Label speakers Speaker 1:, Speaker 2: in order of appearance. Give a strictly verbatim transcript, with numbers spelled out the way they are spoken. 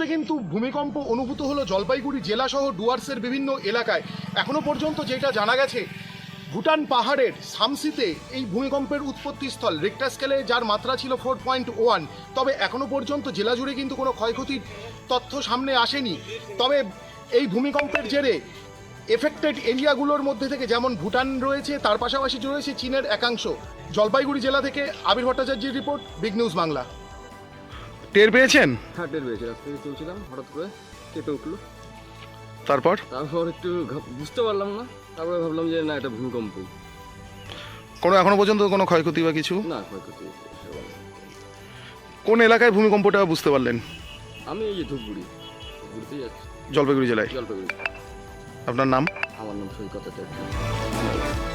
Speaker 1: মুহূর্তে কিন্তু ভূমিকম্প অনুভূত হলো জলপাইগুড়ি জেলাসহ ডুয়ার্সের বিভিন্ন এলাকায়। এখনও পর্যন্ত যেটা জানা গেছে, ভুটান পাহাড়ের সামসিতে এই ভূমিকম্পের উৎপত্তিস্থল। রিক্টার স্কেলে যার মাত্রা ছিল ফোর পয়েন্ট ওয়ান। তবে এখনও পর্যন্ত জেলা জুড়ে কিন্তু কোনো ক্ষয়ক্ষতির তথ্য সামনে আসেনি। তবে এই ভূমিকম্পের জেরে এফেক্টেড এরিয়াগুলোর মধ্যে থেকে যেমন ভুটান রয়েছে, তার পাশাপাশি রয়েছে চীনের একাংশ। জলপাইগুড়ি জেলা থেকে আবির ভট্টাচার্যের রিপোর্ট, বিগ নিউজ বাংলা।
Speaker 2: টের পেয়েছেন?
Speaker 3: হ্যাঁ টের পেয়েছি, রাস্তা থেকে চলছিলাম, হঠাৎ করে কেঁপে উঠলো।
Speaker 2: তারপর
Speaker 3: তারপর একটু ঘা- বুঝতে পারলাম না, তারপরে ভাবলাম যে না, এটা ভূমিকম্প।
Speaker 2: কোনো এখনো পর্যন্ত কোনো ক্ষয়ক্ষতি বা কিছু?
Speaker 3: না, ক্ষয়ক্ষতি সেরকম না।
Speaker 2: কোন এলাকায় ভূমিকম্পটা বুঝতে পারলেন?
Speaker 3: আমি এই যে ধূপগুড়ি ধূপগুড়িতেই যাচ্ছি,
Speaker 2: জলপাইগুড়ি জেলায়।
Speaker 3: জলপাইগুড়ি।
Speaker 2: আপনার নাম?
Speaker 3: আমার নাম সৈকত চ্যাটার্জি।